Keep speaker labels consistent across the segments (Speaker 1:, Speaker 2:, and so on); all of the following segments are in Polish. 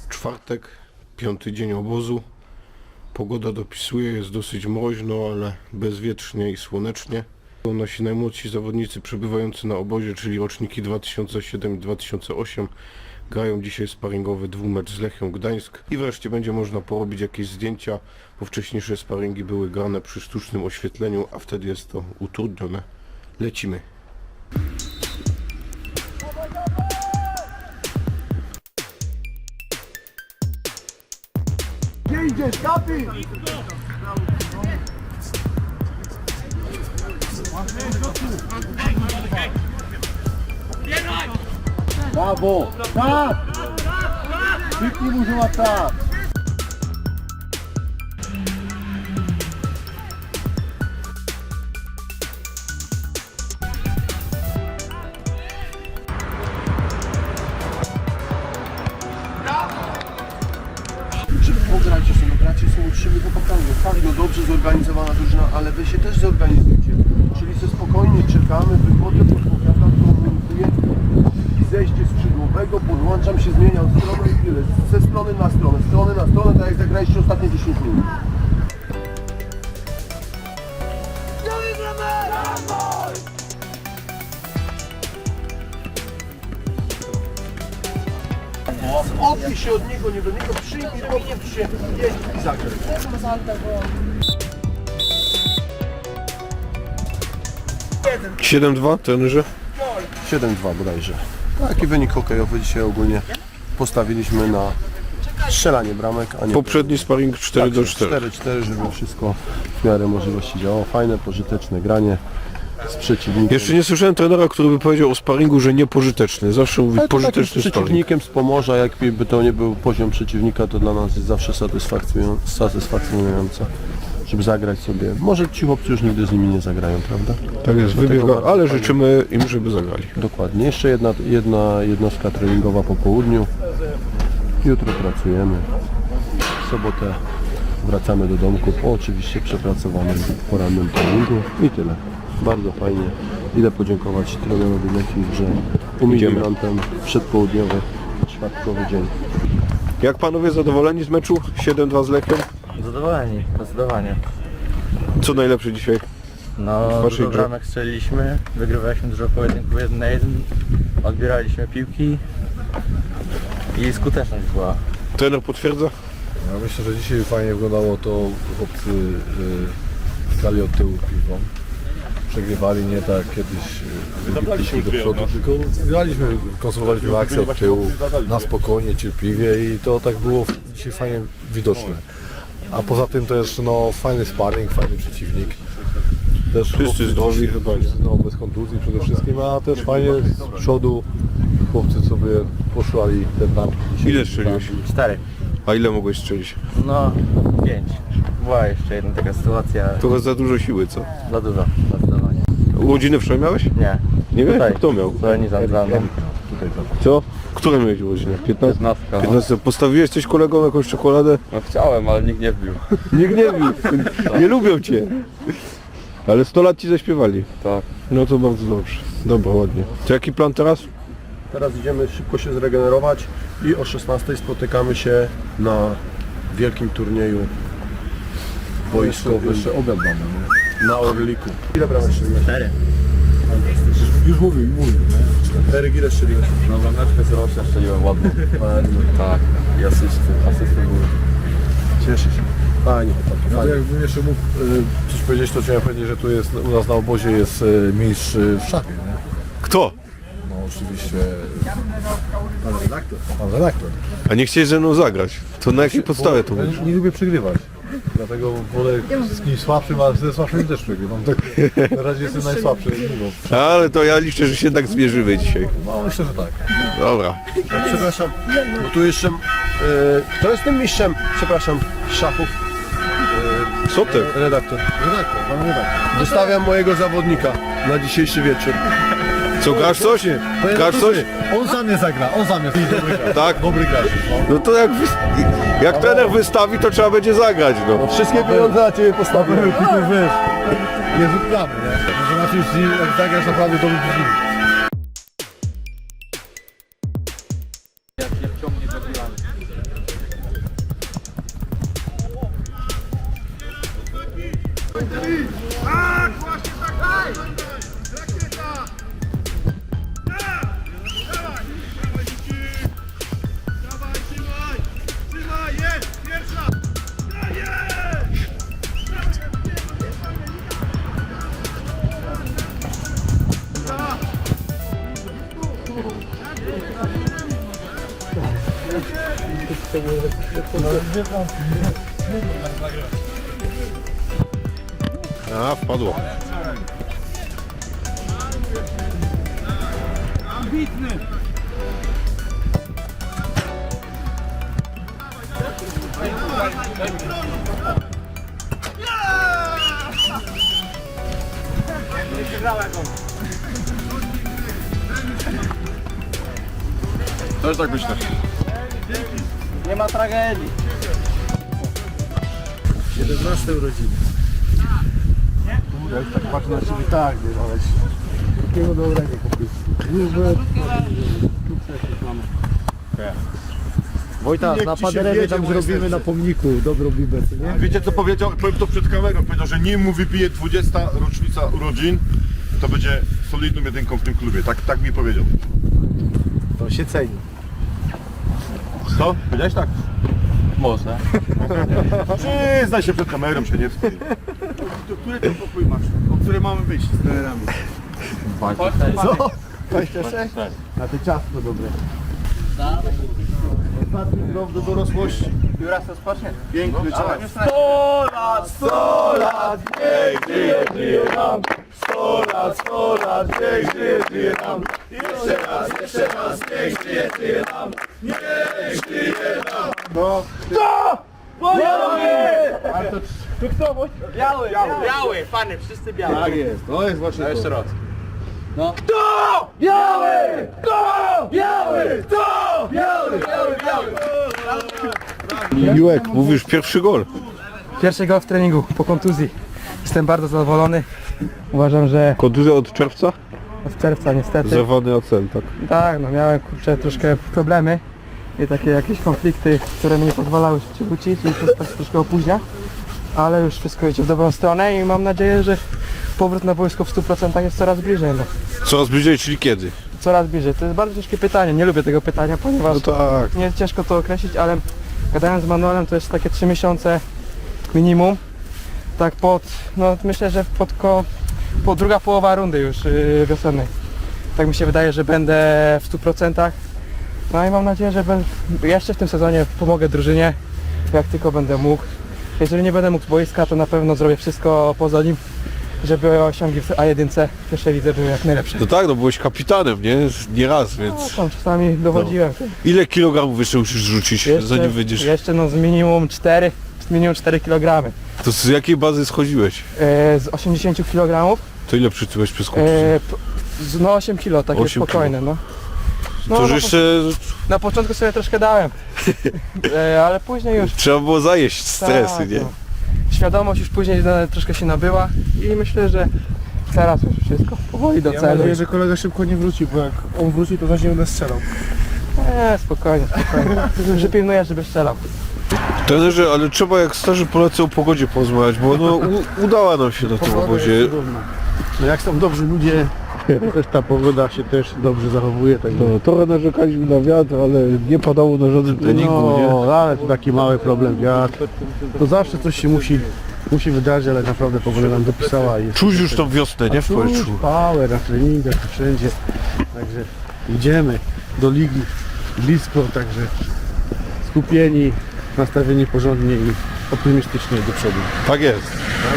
Speaker 1: Czwartek, 5. dzień obozu. Pogoda dopisuje, jest dosyć mroźno, ale bezwietrznie i słonecznie. Nasi najmłodsi zawodnicy przebywający na obozie, czyli roczniki 2007 i 2008, grają dzisiaj sparingowy dwumecz z Lechią Gdańsk. I wreszcie będzie można porobić jakieś zdjęcia, bo wcześniejsze sparingi były grane przy sztucznym oświetleniu, a wtedy jest to utrudnione. Lecimy.
Speaker 2: Gdzie idziesz, kapi? Brawo! Tak! Kliknij mu, że ma tak!
Speaker 3: Pogracie sobie, gracie są uczciwi chłopakami. Tak, no dobrze zorganizowana drużyna, ale wy się też zorganizujcie. Czyli sobie spokojnie czekamy, wychodzę, podpowiadam, komunikuję i zejście skrzydłowego, podłączam się, zmieniam stronę i tyle. Ze strony na stronę, tak jak zagraliście ostatnie 10 minut. Odbij się od niego, nie do niego, przyjmij, podnieś się, jedź i zagraj.
Speaker 1: 7-2, trenerze?
Speaker 3: 7-2 bodajże. Taki wynik hokejowy dzisiaj ogólnie postawiliśmy na strzelanie bramek, a nie...
Speaker 1: Poprzedni sparring 4-4.
Speaker 3: 4-4, żeby wszystko w miarę możliwości działało. Fajne, pożyteczne granie z przeciwnikiem.
Speaker 1: Jeszcze nie słyszałem trenera, który by powiedział o sparingu, że niepożyteczny. Zawsze mówi
Speaker 3: Ale to takim
Speaker 1: pożyteczny sparing.
Speaker 3: przeciwnikiem z Pomorza, jakby to nie był poziom przeciwnika, to dla nas jest zawsze satysfakcjonujące, żeby zagrać sobie. Może ci chłopcy już nigdy z nimi nie zagrają, prawda?
Speaker 1: Tak jest,
Speaker 3: Dlatego
Speaker 1: wybiega,
Speaker 3: bardzo
Speaker 1: ale
Speaker 3: fajnie.
Speaker 1: życzymy im, żeby zagrali.
Speaker 3: Dokładnie. Jeszcze jedna jednostka treningowa po południu. Jutro pracujemy. W sobotę wracamy do domku po oczywiście przepracowanym porannym treningu i tyle. Bardzo fajnie. Idę podziękować trenerowi Lechii, że umożliwił nam ten przedpołudniowy, czwartkowy dzień.
Speaker 1: Jak panowie zadowoleni z meczu? 7-2 z Lechią?
Speaker 4: Zadowoleni, zdecydowanie.
Speaker 1: Co najlepsze dzisiaj?
Speaker 4: No,
Speaker 1: waszej
Speaker 4: dużo
Speaker 1: grze?
Speaker 4: bramek strzeliliśmy, wygrywaliśmy dużo pojedynków 1 na 1, odbieraliśmy piłki i skuteczność była.
Speaker 1: Trener potwierdza?
Speaker 5: Ja myślę, że dzisiaj fajnie wyglądało to, chłopcy grali od tyłu piłką. Przegrywali nie tak jak kiedyś wybitliśmy do przodu, tylko graliśmy, konstruowaliśmy akcję od tyłu, na spokojnie, cierpliwie i to tak było dzisiaj fajnie widoczne. A poza tym też no, fajny sparring, fajny przeciwnik. Też chłopcy
Speaker 1: zdrowi chyba.
Speaker 5: No, bez kontuzji przede wszystkim, a też fajnie z przodu chłopcy sobie poszłali te bramki. dzisiaj.
Speaker 1: Ile strzeliłeś?
Speaker 4: 4.
Speaker 1: A ile mogłeś strzelić?
Speaker 4: No, 5. Była jeszcze jedna taka sytuacja,
Speaker 1: Trochę za dużo siły, co?
Speaker 4: za dużo, zdecydowanie.
Speaker 1: Urodziny wczoraj miałeś?
Speaker 4: Nie.
Speaker 1: Nie wiem,
Speaker 4: Tutaj.
Speaker 1: kto miał?
Speaker 4: Tutaj za mną.
Speaker 1: Co? Które miałeś urodziny? 15?
Speaker 4: 15.
Speaker 1: 15. Postawiłeś coś kolegom jakąś czekoladę?
Speaker 4: No chciałem, ale nikt nie wbił.
Speaker 1: Nikt nie bił. Nie lubią cię. Ale 100 lat ci zaśpiewali.
Speaker 4: Tak.
Speaker 1: No to bardzo dobrze. Dobra, ładnie. To jaki plan teraz?
Speaker 3: Teraz idziemy szybko się zregenerować i o 16 spotykamy się na wielkim turnieju wojskowym
Speaker 5: Jeszcze obiad mamy, nie?
Speaker 3: na Orliku. Ile bramek strzeliłeś?
Speaker 4: 4.
Speaker 5: Już mówił.
Speaker 3: 4 ile strzeliłeś?
Speaker 4: No, brameczkę z rocznia strzeliłem ładnie. Tak. I asysty były.
Speaker 3: Cieszę się. Fajnie.
Speaker 5: No to jakbym jeszcze mógł coś powiedzieć, to chciałem powiedzieć, że tu jest, u nas na obozie jest mistrz w szachie, nie?
Speaker 1: Kto?
Speaker 5: No oczywiście pan redaktor.
Speaker 1: A nie chciałeś ze mną zagrać. To na jakiej podstawie to
Speaker 5: Ja
Speaker 1: mówisz?
Speaker 5: nie lubię przegrywać. Dlatego wolę z kimś słabszym, ale ze słabszym też przegrywam. Tak, na razie jestem najsłabszy. No,
Speaker 1: Ale to ja liczę, że się tak zmierzymy dzisiaj.
Speaker 5: no myślę, że tak.
Speaker 1: Dobra.
Speaker 3: Przepraszam, bo tu jeszcze... to jest tym mistrzem, przepraszam, szachów.
Speaker 1: Co ty?
Speaker 3: Redaktor.
Speaker 5: Redaktor, pan redaktor.
Speaker 3: Wystawiam mojego zawodnika na dzisiejszy wieczór.
Speaker 1: Co, grasz coś? Grasz coś?
Speaker 5: On za mnie zagra, on za mnie. Dobry gracz.
Speaker 1: Tak?
Speaker 5: Dobry gracz. No.
Speaker 1: No to jak trener wystawi, to trzeba będzie zagrać, no.
Speaker 3: Wszystkie pieniądze na ciebie postawię.
Speaker 5: Tylko wiesz, nie rzucamy, nie? Może na czymś, jak zagrasz naprawdę dobry przeciwnik.
Speaker 1: A, wpadło.
Speaker 5: Też tak myślę.
Speaker 4: Nie ma tragedii.
Speaker 2: 17 urodziny. Ja już tak patrzę na ciebie, tak, nie, ale takiego dobrego kupił. Wojta, na Paderewie tam zrobimy na pomniku dobrą bibę, co nie?
Speaker 5: Wiecie co powiedział? Powiem to przed kamerą. Powiedział, że nim mu wypije 20 rocznica urodzin, to będzie solidną jedynką w tym klubie. Tak mi powiedział.
Speaker 2: To się ceni.
Speaker 5: Co? Powiedziałeś tak?
Speaker 4: Może.
Speaker 5: Przyznaj się przed kamerą, się nie wstydź.
Speaker 2: Który ten pokój masz? O który mamy wyjść z trenerami? Co? 26? Na te ciastko dobre. Ostatni krok do dorosłości.
Speaker 4: Juras to spocznie.
Speaker 2: Piękny czas.
Speaker 5: 100 lat, niech żyje, żyje nam. 100 lat, niech żyje, żyje nam. Jeszcze raz, niech żyje, żyje nam. Niech żyje nam.
Speaker 2: No.
Speaker 4: Biały, fany, wszyscy biały.
Speaker 2: Tak jest, to jest właśnie to.
Speaker 4: Jeszcze raz.
Speaker 1: Miłek, mówisz pierwszy gol.
Speaker 6: Pierwszy gol w treningu po kontuzji. Jestem bardzo zadowolony. Uważam, że
Speaker 1: Kontuzja od czerwca?
Speaker 6: od czerwca niestety.
Speaker 1: Zerwany ocel, tak.
Speaker 6: Tak, no miałem kurczę troszkę problemy i takie jakieś konflikty, które mi nie pozwalały się wrócić i to tak troszkę opóźnia. Ale już wszystko idzie w dobrą stronę i mam nadzieję, że powrót na boisko w 100% jest coraz bliżej. No.
Speaker 1: Coraz bliżej, czyli kiedy?
Speaker 6: Coraz bliżej. To jest bardzo ciężkie pytanie. Nie lubię tego pytania, ponieważ
Speaker 1: No tak.
Speaker 6: nie jest ciężko to określić, ale gadając z Manuelem to jest takie 3 miesiące minimum. Tak no myślę, że po druga połowa rundy już wiosennej. Tak mi się wydaje, że będę w 100%. No i mam nadzieję, że jeszcze w tym sezonie pomogę drużynie, jak tylko będę mógł. Jeżeli nie będę mógł z boiska, to na pewno zrobię wszystko poza nim, żeby osiągi w A1 w pierwszej lidze były jak najlepsze.
Speaker 1: No tak, no byłeś kapitanem, nie? Nie raz,
Speaker 6: No,
Speaker 1: więc...
Speaker 6: tam czasami dowodziłem.
Speaker 1: Ile kilogramów jeszcze musisz rzucić, zanim wyjdziesz?
Speaker 6: Jeszcze no z minimum 4 kg.
Speaker 1: To z jakiej bazy schodziłeś?
Speaker 6: Z 80 kg,
Speaker 1: To ile przytyłeś przez kontuzję?
Speaker 6: no 8 kg, takie
Speaker 1: 8
Speaker 6: spokojne. No.
Speaker 1: To już
Speaker 6: no,
Speaker 1: jeszcze
Speaker 6: Na początku sobie troszkę dałem, ale później już
Speaker 1: trzeba było zajeść stresy,
Speaker 6: tak,
Speaker 1: nie?
Speaker 6: no. Świadomość już później troszkę się nabyła i myślę, że teraz już wszystko powoli do
Speaker 2: Ja mam
Speaker 6: celu.
Speaker 2: nadzieję, że kolega szybko nie wróci, bo jak on wróci, to zaś nie będę strzelał.
Speaker 6: Nie, spokojnie. Przypilnuję, żeby strzelał.
Speaker 1: Trenerze, ale trzeba jak starzy Polacy o pogodzie porozmawiać, bo no, udała nam się na tym obozie.
Speaker 2: No jak są dobrzy ludzie, też ta pogoda się też dobrze zachowuje. Tak
Speaker 1: No, trochę narzekaliśmy na wiatr, ale nie padało na żadnym treningu, nie?
Speaker 2: no, ale to taki mały problem, wiatr. To zawsze coś się musi wydarzyć, ale naprawdę pogoda nam dopisała. I jest
Speaker 1: Czuć już tą wiosnę, nie? W
Speaker 2: czuć
Speaker 1: powietrzu.
Speaker 2: power na treningach, to wszędzie. Także idziemy do ligi blisko, także skupieni, nastawieni porządnie i optymistycznie do przodu.
Speaker 1: Tak jest.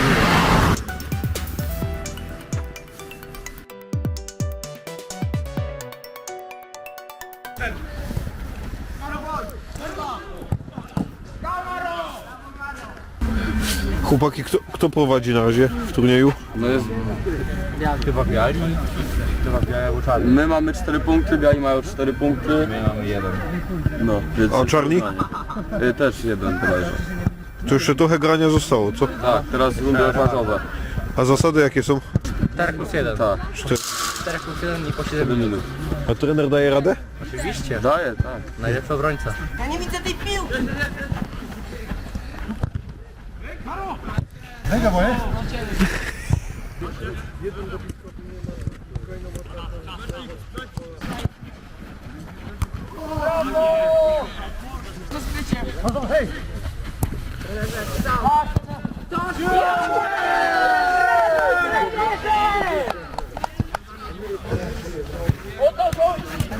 Speaker 1: Chłopaki, kto prowadzi na razie w turnieju?
Speaker 4: No jest chyba biali, chyba białe łuczary. My mamy 4 punkty, biali mają 4 punkty. My mamy 1. No, więc...
Speaker 1: A czarni?
Speaker 4: Też 1 bodajże.
Speaker 1: To jeszcze trochę grania zostało, co?
Speaker 4: Tak, teraz rundy rewanżowe.
Speaker 1: A zasady jakie są?
Speaker 4: 4+1. Tak.
Speaker 6: 4+1 i po
Speaker 4: 7 minut.
Speaker 1: A trener daje radę?
Speaker 6: Oczywiście.
Speaker 4: Daje, tak.
Speaker 6: Najlepszy obrońca.
Speaker 7: Ja nie widzę tej piłki!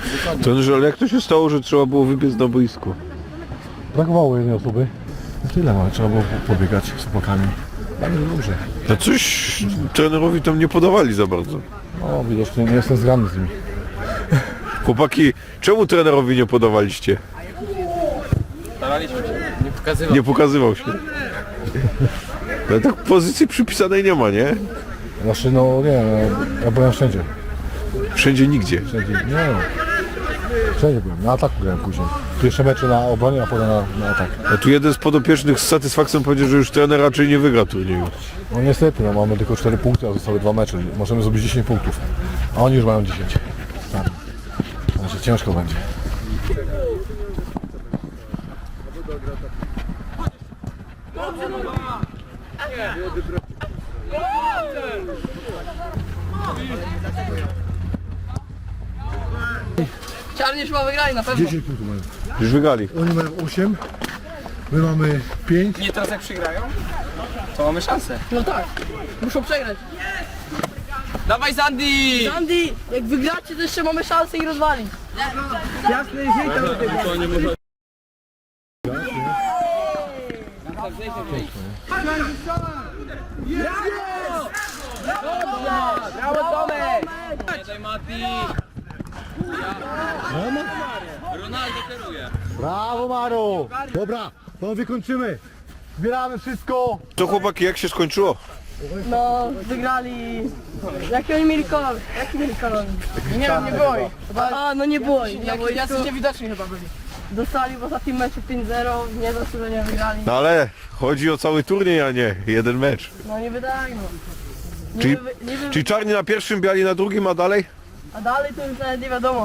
Speaker 1: Trenerze, ale jak to się stało, że trzeba było wybiec na boisko?
Speaker 5: Brakowało jednej osoby. Tyle, ale trzeba było pobiegać z chłopakami. Bardzo dobrze.
Speaker 1: A coś trenerowi tam nie podawali za bardzo.
Speaker 5: No widocznie nie jestem zgrany z nimi.
Speaker 1: Chłopaki, czemu trenerowi nie podawaliście?
Speaker 4: Staraliśmy się, nie pokazywał.
Speaker 1: Nie pokazywał się. Ale tak pozycji przypisanej nie ma, nie?
Speaker 5: Znaczy no nie, no, ja byłem wszędzie.
Speaker 1: Wszędzie nigdzie.
Speaker 5: Wszędzie, nie no. Wszędzie byłem, na ataku grałem później. Pierwsze mecze na obronie, a potem na atak.
Speaker 1: A tu jeden z podopiecznych z satysfakcją powiedział, że już trener raczej nie wygra turnieju.
Speaker 5: No niestety, no mamy tylko 4 punkty, a zostały 2 mecze. Możemy zrobić 10 punktów. A oni już mają 10. Tak. Znaczy ciężko będzie.
Speaker 7: Czarni chyba wygrali na pewno.
Speaker 5: 10 punktów mają.
Speaker 1: Już wygrali.
Speaker 5: Oni mają 8, my mamy 5.
Speaker 6: Nie, teraz jak przegrają, to mamy szansę.
Speaker 7: No tak, muszą przegrać.
Speaker 6: Dawaj Sandy!
Speaker 7: Andy, jak wygracie, to jeszcze mamy szansę ich rozwalić.
Speaker 6: Brawo Tomek! Daj Mati! Ronaldo kieruje.
Speaker 5: Brawo Maro! Dobra, to wykończymy. Zbieramy wszystko.
Speaker 1: To chłopaki, jak się skończyło?
Speaker 7: No, wygrali. Jaki oni mieli kolor? Jaki mieli kolor?
Speaker 6: Nie wiem, nie było ich.
Speaker 7: A, no nie było ich.
Speaker 6: Jak jacyś niewidoczni chyba byli.
Speaker 7: Dostali w ostatnim meczu 5-0, niezasłużenie wygrali.
Speaker 1: No ale chodzi o cały turniej, a nie jeden mecz.
Speaker 7: No nie wydaje no.
Speaker 1: Czyli-
Speaker 7: Niby,
Speaker 1: Czyli czarni na pierwszym, biali na drugim, a dalej?
Speaker 7: a dalej to już nawet nie wiadomo.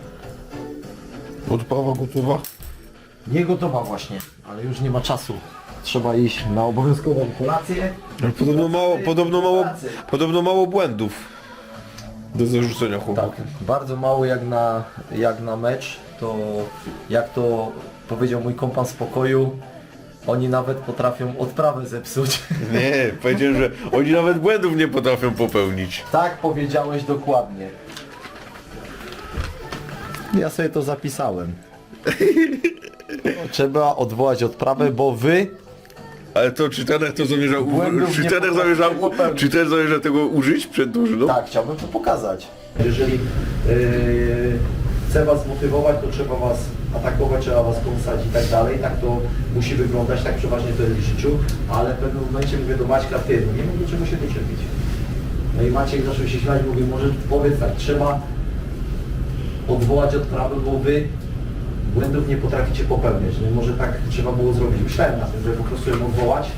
Speaker 1: Odprawa gotowa.
Speaker 8: Nie gotowa właśnie, ale już nie ma czasu. Trzeba iść na obowiązkową kolację.
Speaker 1: Ale podobno mało błędów do zarzucenia chłopaków.
Speaker 8: Tak, bardzo mało jak na mecz, to jak to powiedział mój kompan z pokoju, oni nawet potrafią odprawę zepsuć.
Speaker 1: Nie, powiedziałem, że oni nawet błędów nie potrafią popełnić.
Speaker 8: Tak powiedziałeś dokładnie. Ja sobie to zapisałem. Trzeba odwołać odprawę, bo wy...
Speaker 1: Ale to czy trener to zamierzał
Speaker 8: Błędów
Speaker 1: czy
Speaker 8: nie
Speaker 1: trener
Speaker 8: potrafię
Speaker 1: zamierzał,
Speaker 8: popełnić.
Speaker 1: czy trener zamierza tego użyć przed drużyną?
Speaker 8: Tak, chciałbym to pokazać. Jeżeli chcę was zmotywować, to trzeba was atakować, trzeba was kąsać i tak dalej. Tak to musi wyglądać, tak przeważnie to jest w życiu. Ale w pewnym momencie mówię do Maćka, ty, no nie wiem do czego się doczepić. No i Maciek zaczął się śmiać, mówię, może powiedz tak, trzeba odwołać odprawę, bo wy błędów nie potraficie popełniać. No i może tak trzeba było zrobić. Myślałem na tym, że po prostu ją odwołać.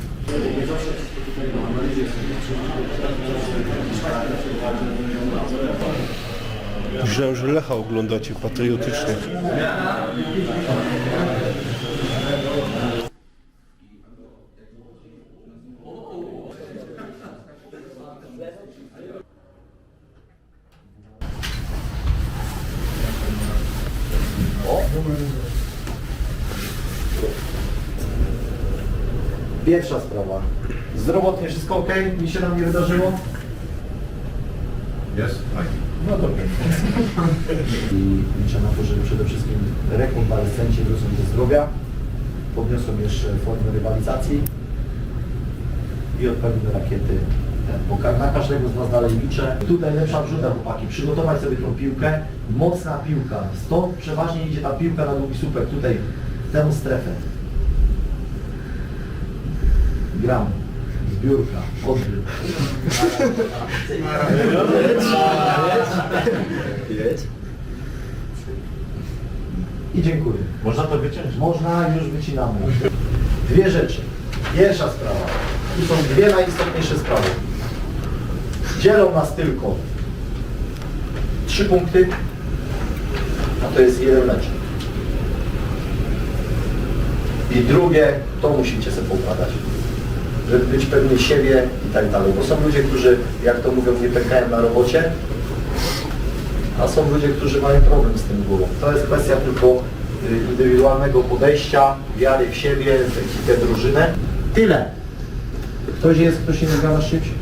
Speaker 1: Myślałem, że Lecha oglądacie patriotycznie.
Speaker 8: Pierwsza sprawa. Zdrowotnie wszystko ok? Nic się nam nie wydarzyło?
Speaker 5: Jest?
Speaker 8: No dobrze. I liczę na to, że przede wszystkim rekonwalescenci wrócą do zdrowia, podniosą jeszcze formę rywalizacji i odpalimy rakiety. Bo na każdego z Was dalej liczę. Tutaj lepsza wrzuta, chłopaki. Przygotować sobie tą piłkę. Mocna piłka. Stąd przeważnie idzie ta piłka na długi słupek. Tutaj, w tę strefę. Gram. Zbiórka. Odbyt. I dziękuję. Można to wyciąć? Można, już wycinamy. Dwie rzeczy. Pierwsza sprawa. Tu są dwie najistotniejsze sprawy. Dzielą nas tylko 3 punkty, a to jest jeden mecz. I drugie, to musicie sobie poukładać, żeby być pewni siebie i tak dalej. Bo są ludzie, którzy, jak to mówią, nie pękają na robocie, a są ludzie, którzy mają problem z tym głową. To jest kwestia tylko indywidualnego podejścia, wiary w siebie, w ekipę, drużynę. Tyle. Ktoś jest, kto się nie gra na szybcie?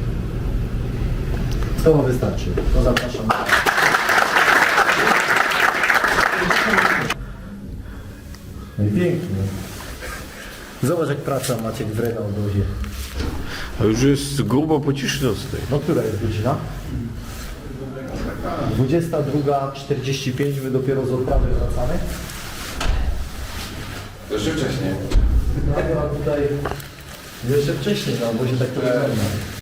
Speaker 8: To wystarczy. To zapraszam. No i pięknie. Zobacz jak praca Maciek w na obozie.
Speaker 1: A już jest grubo po ciszy nocnej.
Speaker 8: No która jest godzina? 22:45, my dopiero z odprawy wracamy.
Speaker 4: Jeszcze wcześniej.
Speaker 8: No a tutaj jeszcze wcześniej, no bo się tak to wygląda.